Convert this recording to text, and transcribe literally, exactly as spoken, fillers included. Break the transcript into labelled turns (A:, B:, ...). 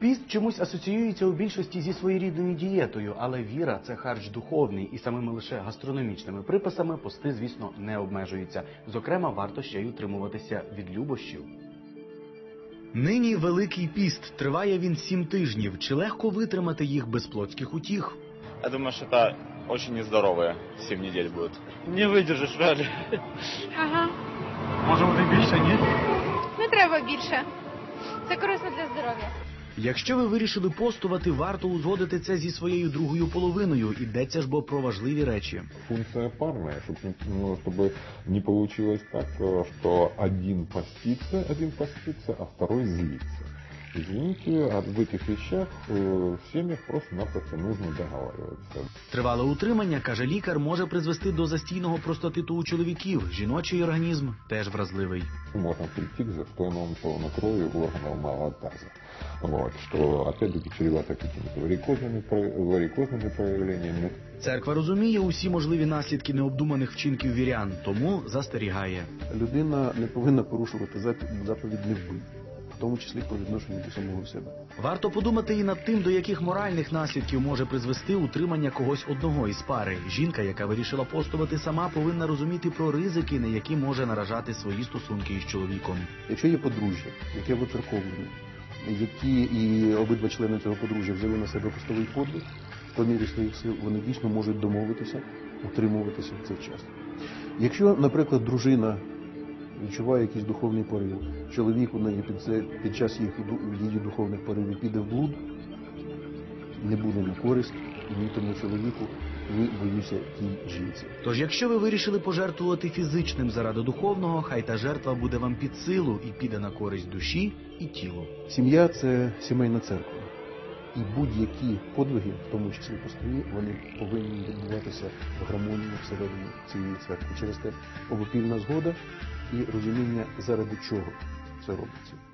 A: Піст чомусь асоціюється у більшості зі своєрідною дієтою, але віра – це харч духовний, і самими лише гастрономічними приписами пости, звісно, не обмежуються. Зокрема, варто ще й утримуватися від любощів. Нині Великий піст. Триває він сім тижнів. Чи легко витримати їх без плотських утіх?
B: Я думаю, что это очень нездоровые семь недель будет.
C: Не видержиш, реально.
D: Ага.
A: Може бути більше, ні?
D: Не треба більше. Це корисно для здоров'я.
A: Якщо ви вирішили постувати, варто узгодити це зі своєю другою половиною. Йдеться ж бо про важливі речі.
E: Функция парная, чтобы, ну, чтобы не получилось так, что один постится, один постится, а второй злится. Извините, а в этих вещах э, в семьях просто-напросто нужно договариваться.
A: Тривале утримання, каже лікар, може призвести до застійного простатиту у чоловіків. Жіночий організм теж вразливий.
E: Можно прийти к застойному полнокровию органов малого таза. Вот, что опять-таки чревато какими-то варикозными, варикозными проявлениями.
A: Церква розуміє усі можливі наслідки необдуманих вчинків вірян, тому застерігає.
F: Людина не повинна порушувати заповідь «не вбий», в тому числі по відношенню до самого себе.
A: Варто подумати і над тим, до яких моральних наслідків може призвести утримання когось одного із пари. Жінка, яка вирішила постувати сама, повинна розуміти про ризики, на які може наражати свої стосунки із чоловіком.
F: Якщо є подружжя, яке вицерковлене, які і обидва члени цього подружжя взяли на себе постовий подвиг, по мірі своїх сил вони дійсно можуть домовитися, утримуватися в цей час. Якщо, наприклад, дружина відчуває якийсь духовний порив, чоловік у неї під, це, під час їх, її духовних поривів піде в блуд, не буде на користь ні тому чоловіку, ні, боюся, тій жінці.
A: Тож, якщо ви вирішили пожертвувати фізичним заради духовного, хай та жертва буде вам під силу і піде на користь душі і тілу.
F: Сім'я – це сімейна церква. І будь-які подвиги, в тому числі постові, вони повинні відбуватися в гармонії всередині цієї церкви. Через те обопільна згода і розуміння, заради чого це робиться.